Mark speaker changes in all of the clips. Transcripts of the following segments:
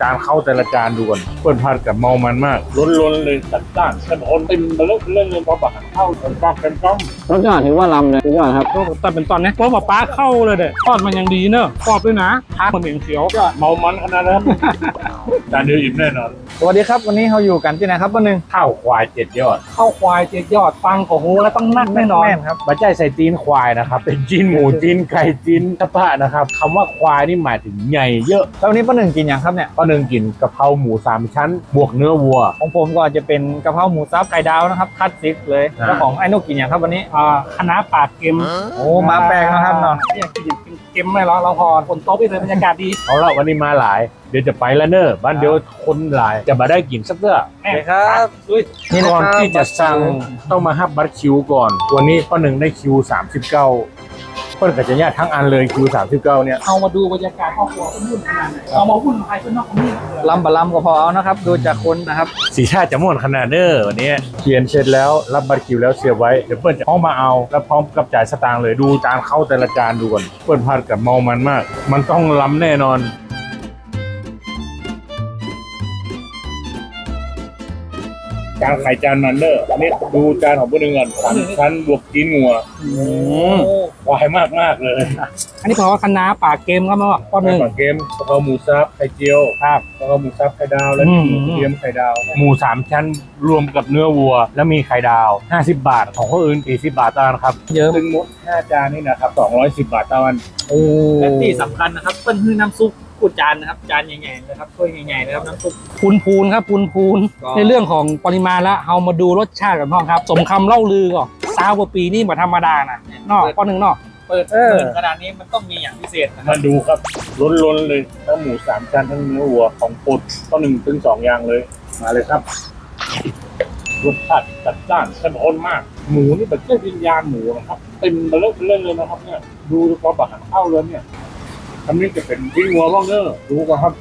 Speaker 1: านเข้าแต่ละจานดูก่อนเปิดผัดกับเมามันมากล้นๆเลยจัดจ้านเข้มข้นเต็มไปเลยเรื่องเงินพอบักเข้าเต็มปากเต็มก้อม
Speaker 2: รสชาติถือว่าล้ำเลยสุดยอดครับ
Speaker 3: แต่เป็นตอนนี้เพราะว่าป้าเข้าเลยเด็ดทอดมันยังดีเนอะกรอบด้วยนะทานเหมือนเขียว
Speaker 1: เมามันขนาดนั้นจานเดียวอิ่มแน่นอน
Speaker 2: สวัสดีครับวันนี้เราอยู่กันที่ไหนครับป้าหนึ่ง
Speaker 1: ข้าวควาย7 ยอด
Speaker 3: ข้าวควาย7 ยอดฟังของหูแล้วต้องนั่งแน่นอน
Speaker 2: แม่นครับ
Speaker 1: บะจ่ายใส่ตีนควายนะครับเป็นจีนหมูจีนไก่จีนกระเพาะนะครับคำว่าควายนี่หมายถึงใหญ่เยอะ
Speaker 2: แล้ววันนี้ป้าหนึ่งกินอย่างครับเนี่ย
Speaker 1: ก็หนึ่งกินกะเพราหมู3 ชั้น บวกเนื้อวัว
Speaker 2: ของผมก็จะเป็นกะเพราหมูซับไข่ดาวนะครับคัดซิกเลย
Speaker 1: อ่า
Speaker 2: แล้วของไอ้นกกินอย่างครับวันนี้
Speaker 3: คณะปาดเค็ม
Speaker 2: โอ้มาแปลกนะครับเนาะ
Speaker 3: เนี่ยกินเค็มไม่หรอเราพอคนโต๊ะไปเลยบรรยากาศดี
Speaker 1: เอาละวันนี้มาหลายเดี๋ยวจะไปแล้วเนอะบ้านเดียวคนหลายจะมาได้กินสักเตื้อ
Speaker 3: แม่
Speaker 2: ครับอุ้ยนี่นะ
Speaker 1: ก่อน
Speaker 2: ครับ
Speaker 1: ที่จะสั่งต้องมาฮับบัตรคิวก่อน วันนี้ป้าหนึ่งได้คิว39เพิ่นกับจะญาติทั้งอันเลยคิว39เนี่ย
Speaker 3: เอามาดูบรรยากาศครอบครัวคนวุ่นขนาดไหนเอามาวุ่นภายคนนอกคนนี้
Speaker 2: ลำบะลำก็พอเอานะครับดูจากคนนะครับ
Speaker 1: สีชาติจะม่วนขนาดเนอะวันนี้เขียนเสร็จแล้วรับบัตรคิวแล้วเสียบไว้เดี๋ยวเปิ้ลจะเข้ามาเอาแล้วพร้อมกับจ่ายสตางค์เลยดูจานเข้าแต่ละจานดูก่อนเปิ้ลผัดกับเมามันมาก มันต้องล้ำแน่นอนจานไข่จานมันเนอร์อันนี้ดูจานของเพื่อนก่อน3 ชั้นบวกจีนงัวควายมากๆเลย
Speaker 3: อันนี้เพราะว่าคณะปาดเค็มครับเนาะข้อหนึ่ง
Speaker 1: ปลาเกมกะเพราหมูซับไข่เจียวครับกะเพราหมูซับไข่ดาวแล้วมีหมูเทียมไข่ดาวหมู3 ชั้นรวมกับเนื้อวัว แล้วมีไข่ดาว50 บาทของคนอื่น40 บาทต่างครับ
Speaker 3: เยอะ
Speaker 1: ซึ่งหมด5 จานนี่นะครับ210 บาทต่อวัน
Speaker 3: โอ้
Speaker 2: และที่สำคัญนะครับเปิ้ลคือน้ำซุปกูจานนะครับจานใหญ่ๆนะครับถ้วยใหญ่ๆนะครับน้ำซุป
Speaker 3: พูนครับพูน
Speaker 2: ก็
Speaker 3: ในเรื่องของปริมาณแล้วเอามาดูรสชาติกันพ่อครับ สมคำเล่าลือก่อน20 กว่าปีนี่มาธรรมดานะเนอกข้อหนึ่งเนอก
Speaker 2: เปิด
Speaker 3: เออ
Speaker 2: ขนาดนี้มันต้องมีอย่างพิเศษนะค
Speaker 1: มา
Speaker 2: รับ
Speaker 1: ดูครับล้นๆเลยทั้งหมู3 ชั้นทั้งเนื้อวัวของโปรดก็1 ถึง 2 อย่างเลยมาเลยครับรสชาติจัดจ้านเข้มข้นมาก หมูนี่แบบเส้นวิญญาณหมูนะครับเต็มไปเลยนะครับเนี่ยดูพอบักเข้าเลยเนี่ยอันนี้จะเป็นวิ่งวัวบ้างเนอะดูกันครับ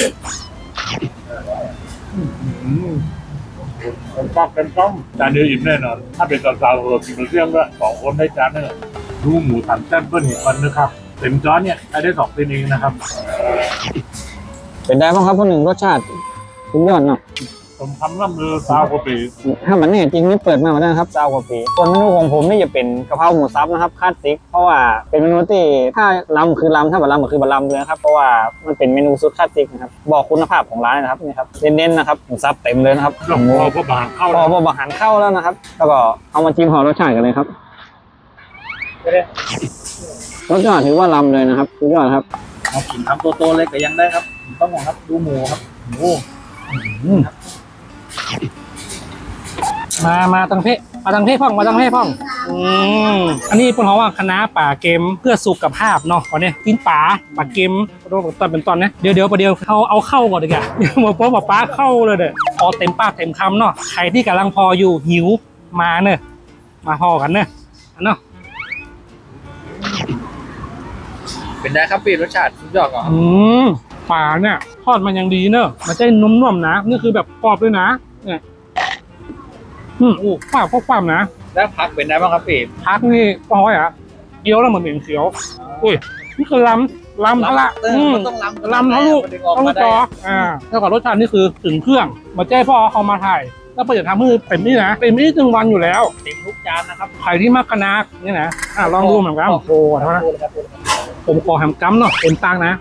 Speaker 1: เป็นปากเป็นก้อมจานเดียวอิ่มแน่นอนถ้าเป็นตอนเช้าเรากินเรื่องด้วย2 คนได้จานนึงดูหมู3 ชั้นเปิ้ลเห็นมันนะครับเต็มจานเนี่ยได้2 เป็นเองนะครับ
Speaker 2: เป็นได้บ้างครับป้าหนึ่งรสชาติสุดยอดเนาะ
Speaker 1: ผมทำน้ำมือ20 กว่าปี
Speaker 2: ถ้ามันเนี่ยจริงนี่เปิดมาแล้วนะครับ20 กว่าปีส่วนเมนูของผมนี่จะเป็นกะเพราหมูซับนะครับคลาสสิกเพราะว่าเป็นเมนูที่ถ้าล้ำคือล้ำถ้าบัลล้ำก็คือบัลล้ำเลยนะครับเพราะว่ามันเป็นเมนูสุดคลาสสิกนะครับบอกคุณภาพของร้านนะครับนี่ครับเน้นๆนะครับหมูซับเต็มเลยนะครับ
Speaker 1: หลวงพ่อพระบางเข้า
Speaker 2: พ
Speaker 1: แล้
Speaker 2: อ
Speaker 1: ว
Speaker 2: บัหันเข้าแล้วนะครับ แล้วก็เอามาจิ้มหอรสชาติกันเลยครับรสชาติถือว่าล้ำเลยนะครับสุดยอดครับเอากินทำโตๆเลยก็ยังได้ครับต้องมองครับดูหมูครับหมู
Speaker 3: มาตังเพมาตังเพพ่องมาตังเพพ่องอันนี้เป็นเพราะว่าคณะป่าเกมเพื่อสุขภาพเนาะก่อนเนี่ยกินป่าเกมตอนเป็นตอนนะเดี๋ยวประเดี๋ยวเขาเอาเข้าก่อนดีกว่าหมดเพราะป้าเข้าเลยเด้อพอเต็มปากเต็มคำเนาะใครที่กำลังพออยู่หิวมาเนอะมาพอกันเนอะอันเนาะ
Speaker 2: เป็นได้ครับพี่รสชาติสุดยอดก่อน
Speaker 3: ป่าเนี่ยทอดมันยังดีเนอะมันจะนุ่มๆนะนี่คือแบบกรอบด้วยนะเนี่ยอู้ความนะ
Speaker 2: แล้วพักเป็นได้บ้างครับพี่
Speaker 3: พักนี่ปอยอ่ะเกี๊ยวแล้วเหมือนเหม็นเขียวอุ้ยนี่คือล้ำทะละ
Speaker 2: มันต้องล้ำ
Speaker 3: ล้ำทะลุทะลุจอแล้วก็รสชาตินี่คือถึงเครื่องมาแจ้พ่อเขามาถ่ายแล้วเปิดจะทำให้เป็นนี่นะเป็นนี่1 วันอยู่แล้ว
Speaker 2: เต็มทุกจานนะครับ
Speaker 3: ใครที่มากคณะนี่นะลองดูเหมือนกันโอ้โหเท่านั้นผมขอแฮมกัมเนาะเต็มตังนะ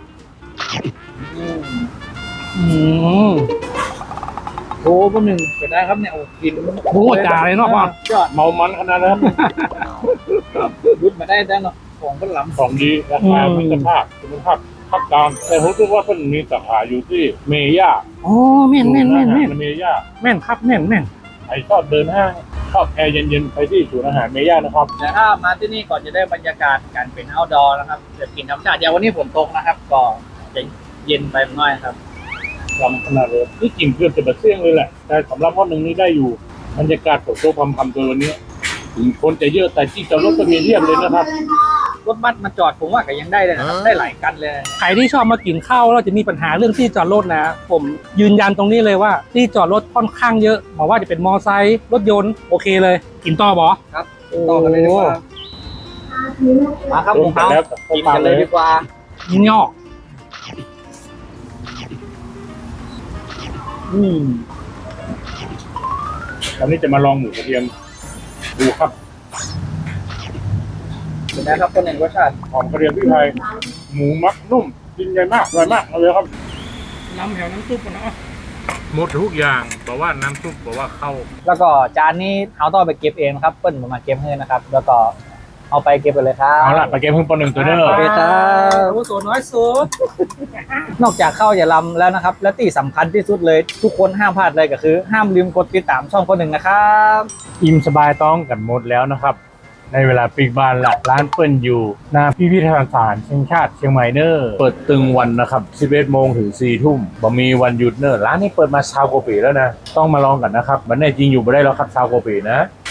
Speaker 2: โอ้ป้าหนึ่งเป็นได้ครับเนี่ยโอ้กิน
Speaker 3: โอ้จ่าเลยเนาะพ่อ
Speaker 2: ยอด
Speaker 1: เมามันขนาดนั้น
Speaker 2: รุดมาได้เนาะของก็ล้ำ
Speaker 1: ของดีราคาคุณภาพภาพกลางแต่ผมรู้ว่าเพิ่นมีสาขาอยู่ที่เมย่า
Speaker 3: โอ้แม่น
Speaker 1: เมย่า
Speaker 3: แม่นครับแม่น
Speaker 1: ใครชอบเดินห้างชอบแอร์เย็นๆไปที่ศูนย์อาหารเมย่านะครับ
Speaker 2: แต่ถ้ามาที่นี่ก่อนจะได้บรรยากาศการเป็น outdoor นะครับจะกินธรรมชาติอย่างวันนี้ฝนตกนะครับก็จะเย็นไปหน่อยครับ
Speaker 1: ลำขนาดเลยนี่กลิ่นเกือบจะแบบเสี่ยงเลยแหละแต่สำหรับวันหนึ่งนี้ได้อยู่บรรยากาศฝนตกพำๆตัววันนี้ถึงคนจะเยอะแต่ที่จอดรถก็มีเรียบเลยนะครับ
Speaker 2: รถบัสมาจอดผมว่าก็ยังได้เลยนะครับได้หลายคันเลย
Speaker 3: ใครที่ชอบมากินข้าวแล้วจะมีปัญหาเรื่องที่จอดรถนะผมยืนยันตรงนี้เลยว่าที่จอดรถค่อนข้างเยอะบอกว่าจะเป็นมอไซค์รถยนต์โอเคเลย กินต่อบอ
Speaker 2: ครับต่อกันเลยดีกว่ามาครับผมเอา
Speaker 1: แล้วกับ
Speaker 2: กินกันเลยดีกว่า
Speaker 3: ยินยอก
Speaker 1: ตอนนี้จะมาลองหมูกระเทียมดูครับ
Speaker 2: เป็นไงครับคนหนึ่งรสชาติ
Speaker 1: หอมกระเทียมพริกไทยหมูมักนุ่มกินใหญ่มากอร่อยมากเอาเลยครับ
Speaker 3: น้ำแถวน้ำซุปก่อนนะ
Speaker 1: หมดทุกอย่างบอกว่าน้ำซุปบอกว่าเข้า
Speaker 2: แล้วก็จานนี้เอาต้องไปเก็บเองนะครับเปิ้ลมาเก็บให้นะครับ แล้วก็เอาไปเก็บไปเลยครับ
Speaker 1: เอาละไปเกมเพิ่งปหนึ่งตัวเด้อ
Speaker 2: โอเคครับ
Speaker 3: โอ้โหน้อยสุด
Speaker 2: นอกจากข้าวอย่าลำแล้วนะครับ และที่สำคัญที่สุดเลยทุกคนห้ามพลาดเลยก็คือ ห้ามลืมกดติดตามช่องคนหนึ่งนะครับ
Speaker 1: อิ่มสบายต้องกันหมดแล้วนะครับ ในเวลาปิดบ้านละร้านเปิ้ลอยู่หน้าพิพิธภัณฑ์เชียงชาติเชียงใหม่เนอร์เปิดตึงวันนะครับ11 โมงถึง 4 ทุ่มบ่มีวันหยุดเนอร์ร้านนี้เปิดมา20 กว่าปีแล้วนะต้องมาลองกันนะครับมันแน่จริงอยู่ไม่ได้แล้วครับ20 กว่าปีนะ